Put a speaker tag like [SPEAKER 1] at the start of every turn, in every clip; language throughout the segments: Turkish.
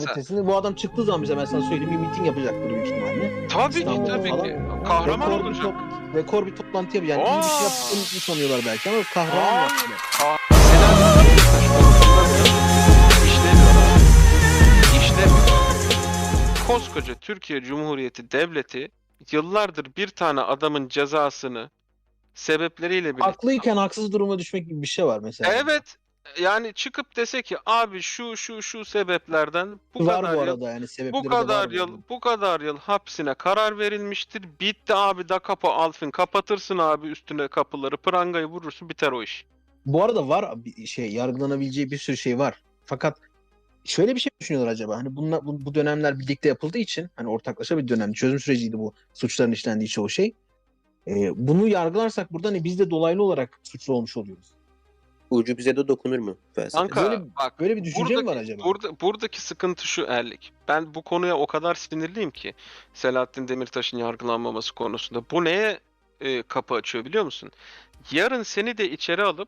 [SPEAKER 1] Gazetesinde bu adam çıktığı zaman bize, ben sana söyleyeyim, bir miting yapacaktır büyük ihtimalle.
[SPEAKER 2] Tabii ki,
[SPEAKER 1] İstanbul'da
[SPEAKER 2] tabii
[SPEAKER 1] falan.
[SPEAKER 2] ki. Kahraman
[SPEAKER 1] Rekor bir,
[SPEAKER 2] olacak.
[SPEAKER 1] rekor bir toplantı yapacak. Yani iyi bir şey yaptığını sanıyorlar belki ama kahraman
[SPEAKER 2] Hayır.
[SPEAKER 1] yaptılar.
[SPEAKER 2] Selahattin Demirtaş konusunda işlemiyor abi. İşlemiyor. Koskoca Türkiye Cumhuriyeti Devleti yıllardır bir tane adamın cezasını sebepleriyle birlikte...
[SPEAKER 1] Haklıyken haksız duruma düşmek gibi bir şey var mesela.
[SPEAKER 2] Evet. Yani çıkıp dese ki abi şu sebeplerden bu
[SPEAKER 1] Var
[SPEAKER 2] kadar
[SPEAKER 1] bu
[SPEAKER 2] yıl
[SPEAKER 1] arada, yani
[SPEAKER 2] bu
[SPEAKER 1] sebepleri de
[SPEAKER 2] kadar
[SPEAKER 1] var bu
[SPEAKER 2] yıl
[SPEAKER 1] arada.
[SPEAKER 2] bu kadar yıl hapsine karar verilmiştir. Bitti abi, da kapı Alfin, kapatırsın abi üstüne kapıları, prangayı vurursun, biter o iş.
[SPEAKER 1] Bu arada var bir şey, yargılanabileceği bir sürü şey var. Fakat şöyle bir şey düşünüyorlar acaba. Hani bunlar, bu dönemler birlikte yapıldığı için, hani ortaklaşa bir dönem çözüm süreciydi bu suçların işlendiği çoğu şey. Bunu yargılarsak burada hani biz de dolaylı olarak suçlu olmuş oluyoruz.
[SPEAKER 3] Ucu bize de dokunur mu felsefe?
[SPEAKER 2] Kanka bak,
[SPEAKER 1] Böyle bir düşünce mi var acaba?
[SPEAKER 2] buradaki sıkıntı şu Erlik. Ben bu konuya o kadar sinirliyim ki Selahattin Demirtaş'ın yargılanmaması konusunda. Bu neye kapı açıyor biliyor musun? Yarın seni de içeri alıp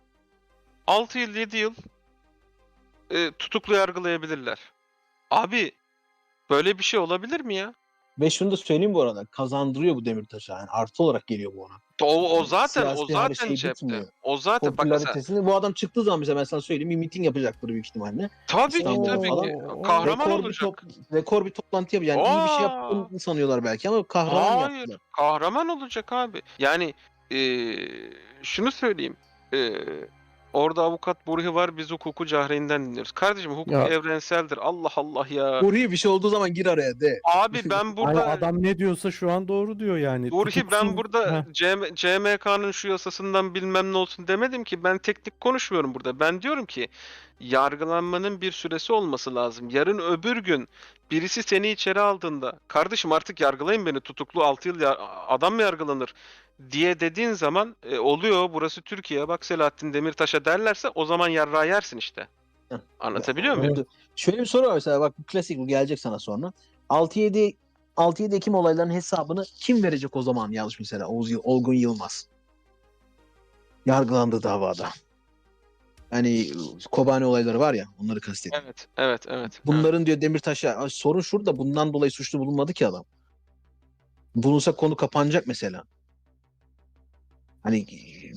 [SPEAKER 2] 6 yıl 7 yıl tutuklu yargılayabilirler. Abi böyle bir şey olabilir mi ya?
[SPEAKER 1] Ve şunu da söyleyeyim bu arada. Kazandırıyor bu Demirtaş'a. Yani artı olarak geliyor bu ona.
[SPEAKER 2] O zaten
[SPEAKER 1] Siyasi her şey
[SPEAKER 2] cepte.
[SPEAKER 1] bitmiyor.
[SPEAKER 2] O zaten bak mesela.
[SPEAKER 1] Popülaritesini bu adam çıktığı zaman bize, ben sana söyleyeyim, bir miting yapacaktır büyük ihtimalle.
[SPEAKER 2] Tabii ki,
[SPEAKER 1] İstanbul'da
[SPEAKER 2] tabii
[SPEAKER 1] falan.
[SPEAKER 2] ki. Kahraman
[SPEAKER 1] Rekor bir,
[SPEAKER 2] olacak.
[SPEAKER 1] rekor bir toplantı yapacak. Yani iyi bir şey
[SPEAKER 2] Aa!
[SPEAKER 1] yaptığını sanıyorlar belki ama kahraman
[SPEAKER 2] Hayır.
[SPEAKER 1] yaptılar.
[SPEAKER 2] Kahraman olacak abi. Yani şunu söyleyeyim. Orada avukat Burhi var. Biz hukuku cahreyinden dinliyoruz. Kardeşim hukuk
[SPEAKER 4] Ya.
[SPEAKER 2] evrenseldir. Allah Allah ya.
[SPEAKER 1] Burhi bir şey olduğu zaman gir araya de.
[SPEAKER 2] Abi ben
[SPEAKER 4] Hani
[SPEAKER 2] burada
[SPEAKER 4] adam ne diyorsa şu an doğru diyor yani.
[SPEAKER 2] Burhi, ben burada
[SPEAKER 4] Heh.
[SPEAKER 2] CMK'nın şu yasasından bilmem ne olsun demedim ki. Ben teknik konuşmuyorum burada. Ben diyorum ki yargılanmanın bir süresi olması lazım. Yarın öbür gün birisi seni içeri aldığında, kardeşim artık yargılayın beni, tutuklu 6 yıl adam mı yargılanır diye dediğin zaman oluyor, burası Türkiye, bak Selahattin Demirtaş'a derlerse o zaman yarrağı yersin işte. Anlatabiliyor muyum?
[SPEAKER 1] Şöyle bir soru var mesela, bak bu klasik, bu gelecek sana sonra. 6-7 Ekim olaylarının hesabını kim verecek o zaman, yanlış mesela? Olgun Yılmaz. Yargılandığı davada. Hani Kobani olayları var ya, onları kastediyorum.
[SPEAKER 2] Evet.
[SPEAKER 1] Bunların diyor Demirtaş'a, sorun şurada, bundan dolayı suçlu bulunmadı ki adam. Bulunsa konu kapanacak mesela. Hani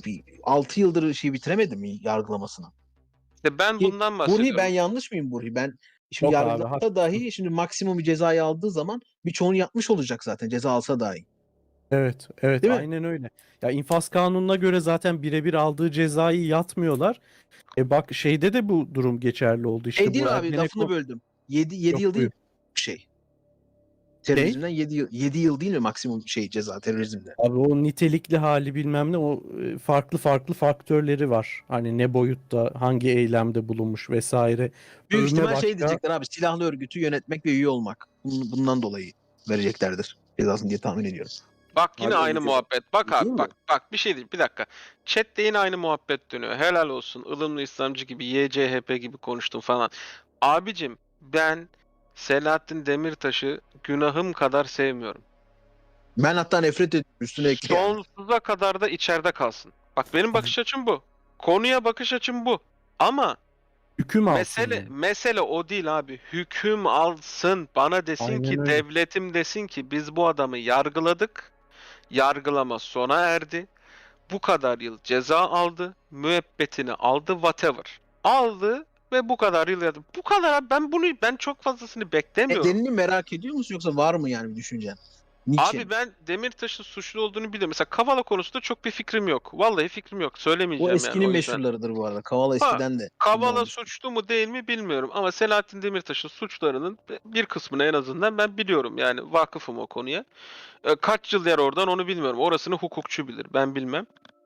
[SPEAKER 1] 6 yıldır şey bitiremedi mi yargılamasını?
[SPEAKER 2] İşte ben
[SPEAKER 1] Ki
[SPEAKER 2] bundan
[SPEAKER 1] Burhi,
[SPEAKER 2] bahsediyorum.
[SPEAKER 1] ben yanlış mıyım Burhi? Ben şimdi
[SPEAKER 4] Yok abi,
[SPEAKER 1] yargılansa dahi şimdi maksimum bir cezayı aldığı zaman birçoğunu yapmış olacak zaten, ceza alsa dahi.
[SPEAKER 4] Evet,
[SPEAKER 1] Değil mi?
[SPEAKER 4] aynen öyle. Ya infaz kanununa göre zaten birebir aldığı cezayı yatmıyorlar. Bak şeyde de bu durum geçerli oldu işte.
[SPEAKER 1] Değil
[SPEAKER 4] Bu
[SPEAKER 1] mi abi, lafını
[SPEAKER 4] Ergenekon.
[SPEAKER 1] böldüm. 7
[SPEAKER 4] Yok,
[SPEAKER 1] yıl değil
[SPEAKER 4] buyur.
[SPEAKER 1] şey. Terörizmden 7 yıl değil mi maksimum şey ceza terörizmde?
[SPEAKER 4] Abi o nitelikli hali bilmem ne, o farklı faktörleri var. Hani ne boyutta, hangi eylemde bulunmuş vesaire.
[SPEAKER 1] Büyük
[SPEAKER 4] Övme
[SPEAKER 1] ihtimal şey
[SPEAKER 4] başka.
[SPEAKER 1] diyecekler abi, silahlı örgütü yönetmek ve üye olmak. Bundan dolayı vereceklerdir cezasını diye tahmin ediyorum.
[SPEAKER 2] Bak yine
[SPEAKER 3] Abi
[SPEAKER 2] aynı
[SPEAKER 3] öyle
[SPEAKER 2] muhabbet. Bak
[SPEAKER 1] değil
[SPEAKER 2] abi,
[SPEAKER 1] mi?
[SPEAKER 2] bak bir şey değil. Bir dakika. Chat'te yine aynı muhabbet dönüyor. Helal olsun. Ilımlı İslamcı gibi, YCHP gibi konuştum falan. Abicim ben Selahattin Demirtaş'ı günahım kadar sevmiyorum.
[SPEAKER 1] Ben hatta nefret ediyorum, üstüne ekle yani.
[SPEAKER 2] Sonsuza kadar da içeride kalsın. Bak benim bakış açım bu. Konuya bakış açım bu. Ama
[SPEAKER 4] Hüküm alsın yani.
[SPEAKER 2] mesele o değil abi. Hüküm alsın. Bana desin
[SPEAKER 4] Aynen
[SPEAKER 2] ki,
[SPEAKER 4] öyle.
[SPEAKER 2] devletim desin ki biz bu adamı yargıladık. Yargılama sona erdi. Bu kadar yıl ceza aldı. Müebbetini aldı. Whatever. Aldı ve bu kadar yıl yattı. Bu kadar abi. Ben çok fazlasını beklemiyorum.
[SPEAKER 1] Nedenini merak ediyor musun, yoksa var mı yani bir düşüncen? Niçin?
[SPEAKER 2] Abi ben Demirtaş'ın suçlu olduğunu biliyorum. Mesela Kavala konusunda çok bir fikrim yok. Vallahi fikrim yok.
[SPEAKER 1] Bu
[SPEAKER 2] Söylemeyeceğim yani
[SPEAKER 1] eskinin
[SPEAKER 2] o yüzden.
[SPEAKER 1] meşhurlarıdır bu arada. Kavala
[SPEAKER 2] Ha,
[SPEAKER 1] eskiden de.
[SPEAKER 2] Kavala suçlu mu değil mi bilmiyorum. Ama Selahattin Demirtaş'ın suçlarının bir kısmını en azından ben biliyorum. Yani vakıfım o konuya. Kaç yıl yer oradan onu bilmiyorum. Orasını hukukçu bilir. Ben bilmem.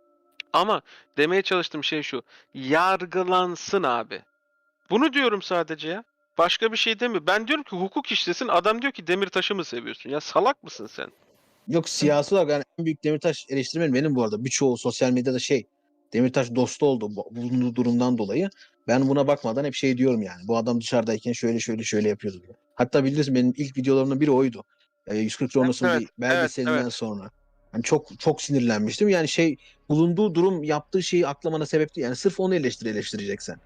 [SPEAKER 2] Ama demeye çalıştığım şey şu. Yargılansın abi. Bunu diyorum sadece ya. Başka bir şey demiyor. Ben diyorum ki hukuk işlesin. Adam diyor ki Demirtaş'ı mı seviyorsun? Ya salak mısın sen?
[SPEAKER 1] Yok, siyasi olarak yani en büyük Demirtaş eleştirmenim benim bu arada. Birçoğu sosyal medyada Demirtaş dostu oldu bulunduğu durumdan dolayı. Ben buna bakmadan hep şey diyorum yani. Bu adam dışarıdayken şöyle yapıyordu diye. Hatta bilirsin, benim ilk videolarımdan biri oydu. 140 Ronos'un
[SPEAKER 2] Evet,
[SPEAKER 1] bir belgeselinden
[SPEAKER 2] evet.
[SPEAKER 1] sonra. Yani çok sinirlenmiştim. Yani bulunduğu durum, yaptığı şeyi aklamana sebep değil. Yani sırf onu eleştireceksen.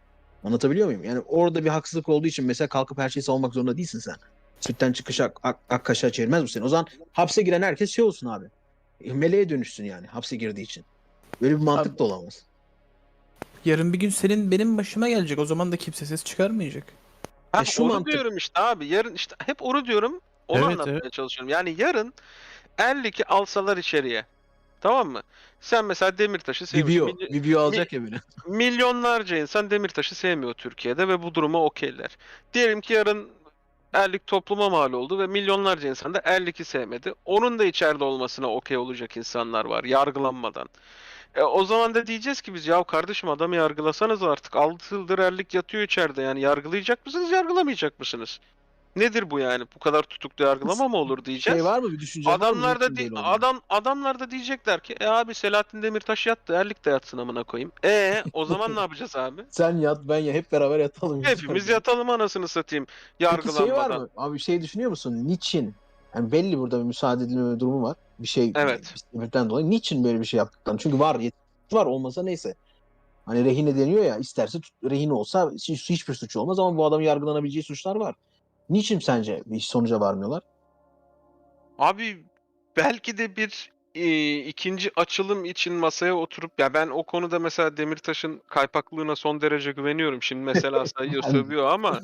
[SPEAKER 1] Anlatabiliyor muyum? Yani orada bir haksızlık olduğu için mesela kalkıp her şeyi savunmak zorunda değilsin sen. Sütten çıkış ak kaşığa çevirmez bu seni. O zaman hapse giren herkes şey olsun abi. Meleğe dönüşsün yani hapse girdiği için. Böyle bir mantık
[SPEAKER 5] Abi-
[SPEAKER 1] da olamaz.
[SPEAKER 5] Yarın bir gün senin benim başıma gelecek. O zaman da kimse ses çıkarmayacak.
[SPEAKER 2] Ha,
[SPEAKER 1] şu
[SPEAKER 2] onu
[SPEAKER 1] mantık-
[SPEAKER 2] diyorum işte abi. Yarın işte hep onu diyorum. Onu
[SPEAKER 4] Evet,
[SPEAKER 2] anlatmaya
[SPEAKER 4] evet.
[SPEAKER 2] çalışıyorum. Yani yarın Erlik'i alsalar içeriye. Tamam mı? Sen mesela Demirtaş'ı seviyorsun.
[SPEAKER 1] Vibio alacak ya böyle.
[SPEAKER 2] Milyonlarca insan Demirtaş'ı sevmiyor Türkiye'de ve bu duruma okeyler. Diyelim ki yarın Erlik topluma mal oldu ve milyonlarca insan da Erlik'i sevmedi. Onun da içeride olmasına okey olacak insanlar var yargılanmadan. O zaman da diyeceğiz ki biz ya kardeşim adamı yargılasanız artık 6 yıldır Erlik yatıyor içeride yani yargılayacak mısınız yargılamayacak mısınız? Nedir bu yani? Bu kadar tutuklu yargılama mı olur diyeceğiz.
[SPEAKER 1] Şey var mı bir düşünce var mı?
[SPEAKER 2] Adamlar da
[SPEAKER 1] Niçin böyle oldu?
[SPEAKER 2] adamlar da diyecekler ki abi Selahattin Demirtaş yattı, Erlik de yatsın amına koyayım. O zaman ne yapacağız abi?
[SPEAKER 1] Sen yat ben ya hep beraber yatalım.
[SPEAKER 2] Hepimiz yatalım anasını satayım
[SPEAKER 1] Peki şey var
[SPEAKER 2] yargılanmadan.
[SPEAKER 1] mı? Abi şey düşünüyor musun? Niçin? Yani belli burada bir müsaade edilmeme durumu var. Bir şey
[SPEAKER 2] Evet.
[SPEAKER 1] bir sebepten dolayı. Niçin böyle bir şey yaptıklarını? Çünkü var yetkisi var olmasa neyse. Hani rehine deniyor ya isterse rehine olsa hiçbir suç olmaz ama bu adamın yargılanabileceği suçlar var. Niçin sence bir sonuca varmıyorlar?
[SPEAKER 2] Abi belki de bir ikinci açılım için masaya oturup ya ben o konuda mesela Demirtaş'ın kaypaklığına son derece güveniyorum. Şimdi mesela sayıyor
[SPEAKER 1] Ben-
[SPEAKER 2] sövüyor ama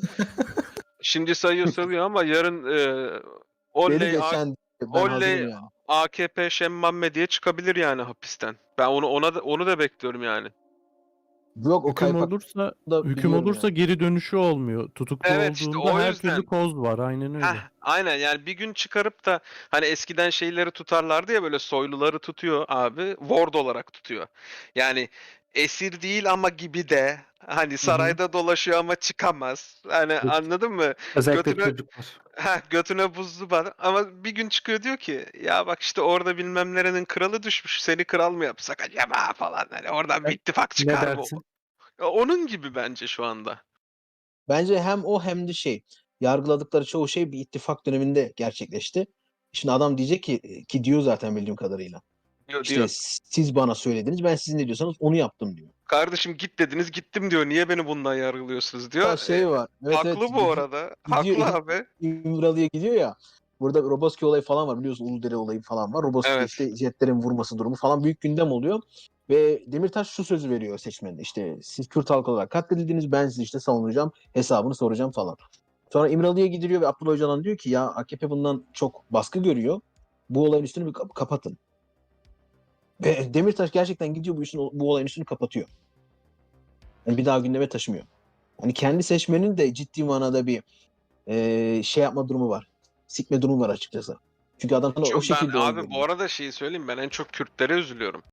[SPEAKER 2] yarın
[SPEAKER 1] Beni
[SPEAKER 2] oley
[SPEAKER 1] geçen ben hazırım
[SPEAKER 2] oley
[SPEAKER 1] yani.
[SPEAKER 2] AKP Şemmamme diye çıkabilir yani hapisten. Ben onu da bekliyorum yani.
[SPEAKER 1] Yok o
[SPEAKER 4] Hüküm
[SPEAKER 1] kaypak
[SPEAKER 4] olursa
[SPEAKER 1] da
[SPEAKER 4] hüküm
[SPEAKER 1] biliyorum
[SPEAKER 4] olursa
[SPEAKER 1] yani.
[SPEAKER 4] geri dönüşü olmuyor. Tutuklu
[SPEAKER 2] Evet işte
[SPEAKER 4] olduğunda
[SPEAKER 2] o
[SPEAKER 4] her
[SPEAKER 2] yüzden.
[SPEAKER 4] türlü koz var. Aynen öyle.
[SPEAKER 2] Aynen yani bir gün çıkarıp da hani eskiden şeyleri tutarlardı ya böyle soyluları tutuyor abi ward olarak tutuyor. Yani esir değil ama gibi de hani sarayda dolaşıyor ama çıkamaz. Hani
[SPEAKER 6] Evet.
[SPEAKER 2] anladın mı?
[SPEAKER 6] Özellikle
[SPEAKER 2] Götüne
[SPEAKER 6] çocuklar.
[SPEAKER 2] götüne buzlu var ama bir gün çıkıyor diyor ki ya bak işte orada bilmem nerenin kralı düşmüş seni kral mı yapsak acaba falan hani oradan bir ittifak
[SPEAKER 6] Ne
[SPEAKER 2] çıkar bu.
[SPEAKER 6] dersin?
[SPEAKER 2] Onun gibi bence şu anda.
[SPEAKER 1] Bence hem o hem de şey yargıladıkları çoğu şey bir ittifak döneminde gerçekleşti. Şimdi adam diyecek ki diyor zaten bildiğim kadarıyla.
[SPEAKER 2] Diyor
[SPEAKER 1] İşte
[SPEAKER 2] diyor.
[SPEAKER 1] siz bana söylediniz ben siz ne diyorsanız onu yaptım diyor.
[SPEAKER 2] Kardeşim git dediniz gittim diyor. Niye beni bundan yargılıyorsunuz
[SPEAKER 1] Ha
[SPEAKER 2] diyor.
[SPEAKER 1] şey var. Evet evet
[SPEAKER 2] Haklı bu arada.
[SPEAKER 1] gidiyor
[SPEAKER 2] Haklı abi.
[SPEAKER 1] İmralı'ya gidiyor ya. Burada Roboski olayı falan var biliyorsun Uludere olayı falan var. Roboski
[SPEAKER 2] Evet.
[SPEAKER 1] işte jetlerin vurması durumu falan büyük gündem oluyor. Ve Demirtaş şu sözü veriyor seçmene işte siz Kürt halkı olarak katledildiniz ben sizi işte savunacağım hesabını soracağım falan. Sonra İmralı'ya gidiliyor ve Abdullah Öcalan diyor ki ya AKP bundan çok baskı görüyor. Bu olayın üstünü bir kapatın. Ve Demirtaş gerçekten gidiyor bu olayın üstünü kapatıyor. Yani bir daha gündeme taşımıyor. Yani kendi seçmenin de ciddi manada bir şey yapma durumu var. Sikme durumu var açıkçası. Çünkü adam sana o
[SPEAKER 2] Ben
[SPEAKER 1] şekilde oy
[SPEAKER 2] abi bu
[SPEAKER 1] veriyor.
[SPEAKER 2] arada şeyi söyleyeyim ben en çok Kürtlere üzülüyorum.